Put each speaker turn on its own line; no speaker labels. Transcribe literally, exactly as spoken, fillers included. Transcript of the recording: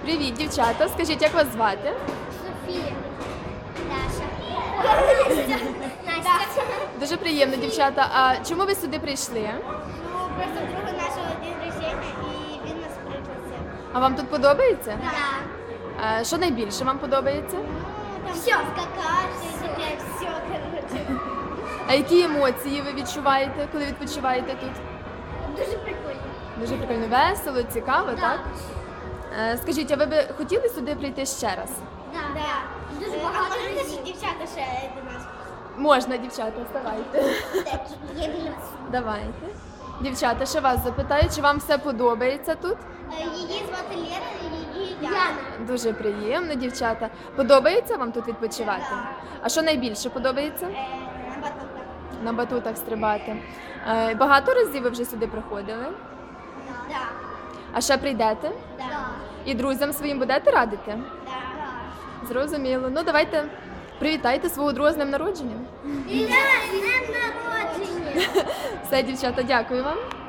Привіт, дівчата. Скажіть, як вас звати?
Софія. Даша. Настя.
Дуже приємно, дівчата. А чому ви сюди прийшли?
Ну, просто друга нашого день рождения, і він нас пригласив.
А вам тут подобається?
Да.
А що найбільше вам подобається?
Ну, там все. Скакати, таке, все, короче.
А які емоції ви відчуваєте, коли відпочиваєте тут?
Дуже прикольно.
Дуже прикольно, весело, цікаво, так? Е, Скажіть, а ви б хотіли сюди прийти ще раз?
Да. Да. Дуже багато. А можна ж дівчата ще до нас?
Можна, дівчата, вставайте.
Є біля вас.
Давайте. Дівчата, ще вас запитаю, чи вам все подобається тут?
Її звати Лера, її Яна.
Дуже приємно, дівчата. Подобається вам тут відпочивати? А що найбільше подобається?
Е, На батутах.
На батутах стрибати. Е, Багато разів ви вже сюди приходили?
Да.
А ще прийдете?
Да.
І друзям своїм будете радити?
Да.
Зрозуміло. Ну, давайте привітайте свого друга з днем народження.
І з днем народження!
Все, дівчата, дякую вам.